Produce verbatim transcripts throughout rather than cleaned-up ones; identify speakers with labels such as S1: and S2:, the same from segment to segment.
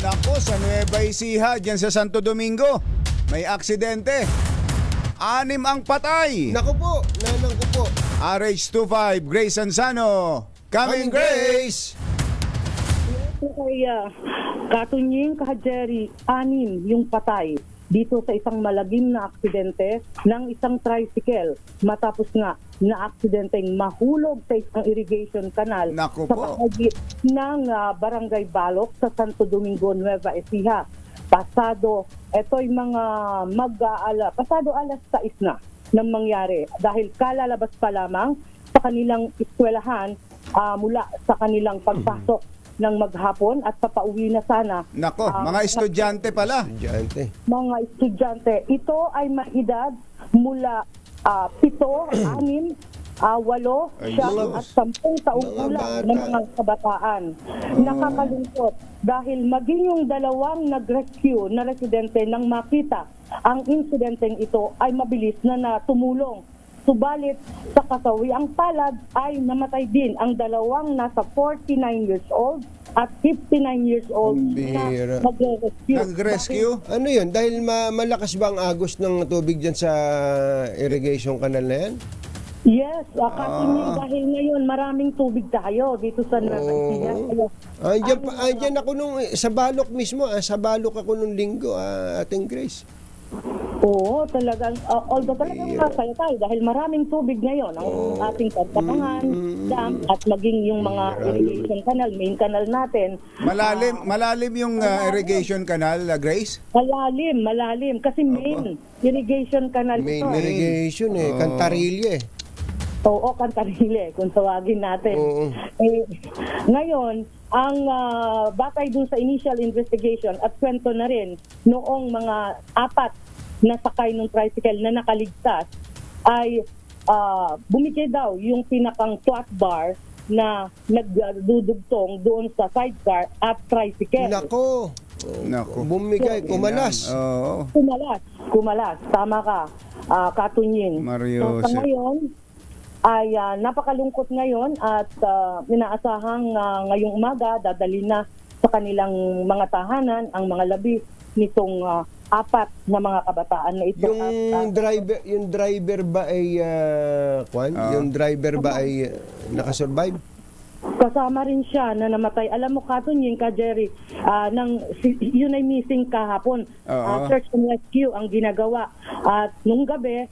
S1: Nako, sa Nueva Ecija, dyan sa Santo Domingo, may aksidente. Anim ang patay.
S2: Naku po, nanang ko po.
S1: R H twenty-five, Grace Ansano. Coming, Grace!
S3: Ito kay uh, Katunying Kahajeri, anim yung patay dito sa isang malagim na aksidente ng isang tricycle matapos nga na aksidenteng mahulog sa isang irrigation canal
S1: Naku
S3: sa
S1: po.
S3: bahagi ng uh, Barangay Balok sa Santo Domingo, Nueva Ecija. Pasado, ito'y mga mag-aala, pasado alas sais na nang mangyari dahil kalalabas pa lamang sa kanilang eskwelahan uh, mula sa kanilang pagpasok ng maghapon at papauwi na sana.
S1: Nako,
S3: Ah,
S1: mga estudyante pala.
S2: Diyan,
S3: Mga estudyante. Ito ay may edad mula ah, pito, anim, ah, walo,
S1: Ay,
S3: siyam
S1: Diyos.
S3: at sampung taong
S2: Mga
S3: gulang
S2: bata.
S3: ng mga kabataan. Nakakalungkot dahil maging yung dalawang nag-rescue na residente nang makita ang insidenteng ito ay mabilis na natumulong. Subalit sa kasawiang palad ay namatay din ang dalawang nasa forty-nine years old at fifty-nine years old
S2: Ang
S3: na
S2: bihira.
S3: nag-rescue.
S1: Nag-rescue?
S2: Ano yun? Dahil ma- malakas ba ang agos ng tubig dyan sa irrigation canal na yan?
S3: Yes, akatunying dahil ngayon maraming tubig tayo dito sa Nueva Ecija. Kaya,
S2: Andiyan, pa, andiyan ako nung, sa Balok mismo, ah, sa Balok ako nung linggo, ah, ating Grace.
S3: Oo, talagang, uh, although talagang masaya tayo dahil maraming tubig ngayon ang ating pagtatangan, dam, at maging yung mga irrigation canal, main canal natin.
S1: Malalim, malalim yung uh, irrigation canal, uh, Grace?
S3: Malalim, malalim. Kasi main irrigation canal
S2: Main
S3: ito.
S2: irrigation eh, Cantarilla eh.
S3: Oo, Cantarile, kung tawagin natin.
S2: Oo.
S3: Eh, ngayon, ang ah, batay dun sa initial investigation at kwento na rin noong mga apat na sakay ng tricycle na nakaligtas ay ah, bumigay daw yung pinakang flat bar na nagdudugtong doon sa sidecar at tricycle.
S2: Nako,
S1: Nako.
S2: bumigay, kumalas.
S1: Oo.
S3: Kumalas, kumalas. Tama ka, uh, Katunying.
S1: Mario,
S3: So, sa
S1: sir.
S3: ngayon, ay ah, napakalungkot ngayon at ah, inaasahang ah, ngayong umaga dadali na sa kanilang mga tahanan ang mga labi nitong ah, apat na mga kabataan na ito.
S2: Yung
S3: At, ah,
S2: driver, yung driver ba ay ah, kwan?
S1: Ah.
S2: Yung driver ba ay ah, nakasurvive?
S3: kasama rin siya na namatay. Alam mo, Katunying, ka Jerry, ah, nang, si, yun ay missing kahapon. Ah,
S1: Oo.
S3: search and rescue ang ginagawa. At nung gabi,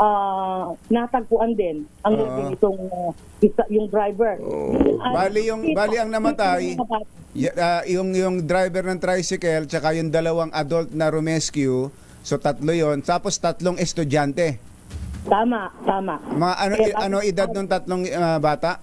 S3: ah, natagpuan din ang
S1: Oo.
S3: labing itong ah, isa, yung driver. At
S1: Bali yung
S3: kita-
S1: bali ang namatay,
S3: kita ng mga bata.
S1: y- ah, yung yung driver ng tricycle tsaka yung dalawang adult na rescue. So tatlo 'yon, tapos tatlong estudyante.
S3: Tama, tama.
S1: Mga ano
S3: Kaya
S1: i- ano
S3: tapos-
S1: edad ng tatlong ah, bata?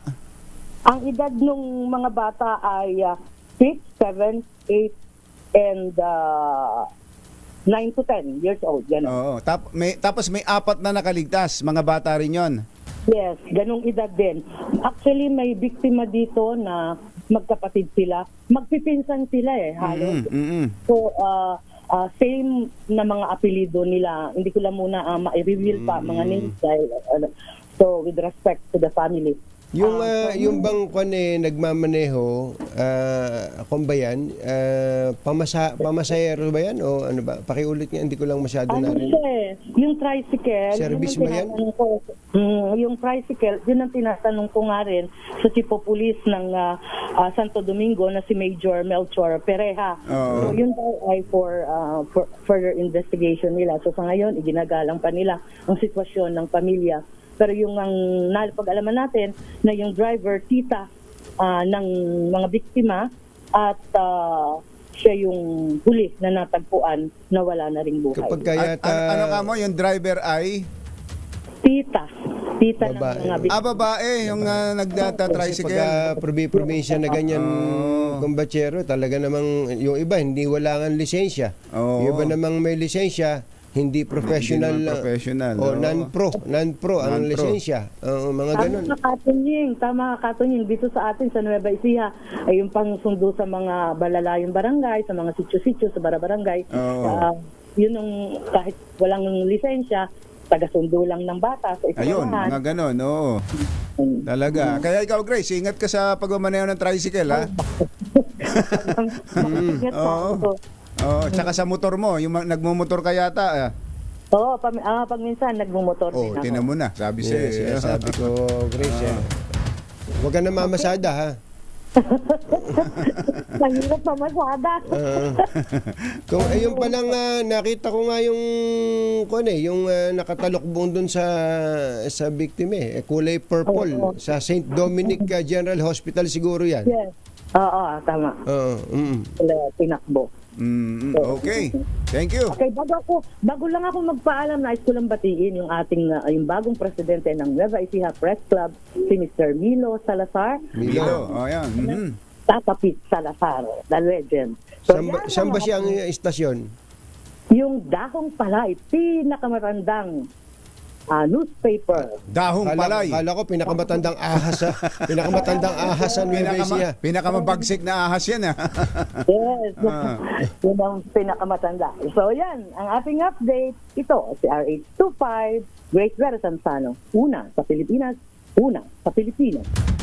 S3: Ang edad ng mga bata ay six, seven, eight, and uh, nine to ten years old. Ganun.
S1: Oo. Tap, may tapos may apat na nakaligtas, mga bata rin 'yon.
S3: Yes, ganung edad din. Actually, may biktima dito na magkapatid sila. Magpipinsan sila eh, halos.
S1: Mm, mm, mm.
S3: So, uh, uh, same na mga apelido nila. Hindi ko lang muna uh, ma-reveal pa mga names dahil, uh, so, with respect to the family.
S2: Yung
S3: Ah,
S2: ah, yung bang kwan eh nagmamaneho, ah kung ba yan, ah, pamasa pamasahero ba yan o ano ba? Pakiulit nga, hindi ko lang masyado
S3: Ano
S2: narinig.
S3: siya eh, yung tricycle,
S2: Service
S3: yun
S2: ba
S3: ang
S2: yan?
S3: tinatanong ko, mm, yung tricycle, yun ang tinatanong ko nga rin sa Chief of Police ng ah, ah, Santo Domingo na si Major Melchor Pereja.
S1: Oo.
S3: So yun daw ay for, ah, for further investigation nila. So sa ngayon, iginagalang pa nila ang sitwasyon ng pamilya. Pero yung ang napag-alaman natin na yung driver, tita ah, ng mga biktima at ah, siya yung huli na natagpuan na wala na ring buhay.
S2: Kapag
S1: At,
S2: kaya
S1: ano, ano ka mo, yung driver ay
S3: Tita. Tita
S2: Babae.
S3: ng mga
S1: ah
S3: biktima.
S1: babae, yung uh, nagdata-tricycle.
S2: pag probinsya na ganyan
S1: Oo.
S2: kumbatsero, talaga namang yung iba hindi wala ng lisensya.
S1: Oo.
S2: Yung iba namang may lisensya, hindi professional,
S1: Hindi naman professional,
S2: o
S1: oo.
S2: non-pro, non-pro ang
S1: Non-pro.
S2: lisensya. Oo, mga
S3: Tama
S2: ganun.
S3: ka, Katunying. Tama ka, Katunying. Dito sa atin, sa Nueva Ecija, ay yung pangsundo sa mga balalayong barangay, sa mga sityo-sityo, sa bara-barangay.
S1: Oo.
S3: Ah, yun ang kahit walang lisensya, taga-sundo lang ng bata sa
S1: Ayun,
S3: eskwelahan.
S1: mga ganon, oo. Talaga. Kaya ikaw, Grace, ingat ka sa pagmamaneho ng tricycle, ha?
S3: Ingat ka.
S1: Oo. Oo, tsaka sa motor mo, yung ma- nagmumotor ka yata. ah.
S3: Oo, pag, ah, pag minsan nagmumotor
S1: Oh,
S3: din ako.
S1: tinan mo na. Sabi sa'yo.
S2: Yes, yes, sabi ko, Grace, yan. Huwag ka na mamasada, ha?
S3: Mahirap pa masada.
S2: Ah. Kung ayun pa lang ah, nakita ko nga yung kun eh, yung ah, nakatalokbong dun sa sa biktima eh, kulay purple
S3: Oo.
S2: sa Saint Dominic ah, General Hospital siguro 'yan.
S3: Yes. Oo, tama.
S2: Oo. mm.
S3: Wala, tinakbo.
S1: Mm, okay. Thank you.
S3: Okay, bago ako, bago lang ako magpaalam, nais ko lang batiin yung ating, uh, yung bagong presidente ng Nueva Ecija Press Club, si Mister Milo Salazar.
S1: Milo. Oh, yan. Mhm.
S3: Tatapit Salazar, the legend.
S2: Saan ba,
S3: yan
S2: saan
S3: ang
S2: ba siyang
S3: ating-
S2: istasyon?
S3: Yung Dahong Palay, pinakamatandang ah, newspaper.
S1: Dahong
S2: Kala,
S1: palay.
S2: kala ko pinakamatandang ahas sa pinakamatandang ahas sa Nueva
S1: Pinakama,
S2: Ecija.
S1: pinakamabagsik na ahas yan, ha?
S3: Yes.
S1: Ah.
S3: Yun ang pinakamatanda. So yan, ang ating update. Ito, si R H twenty-five, Great Vera Sanzano. Una sa Pilipinas, una sa Pilipinas.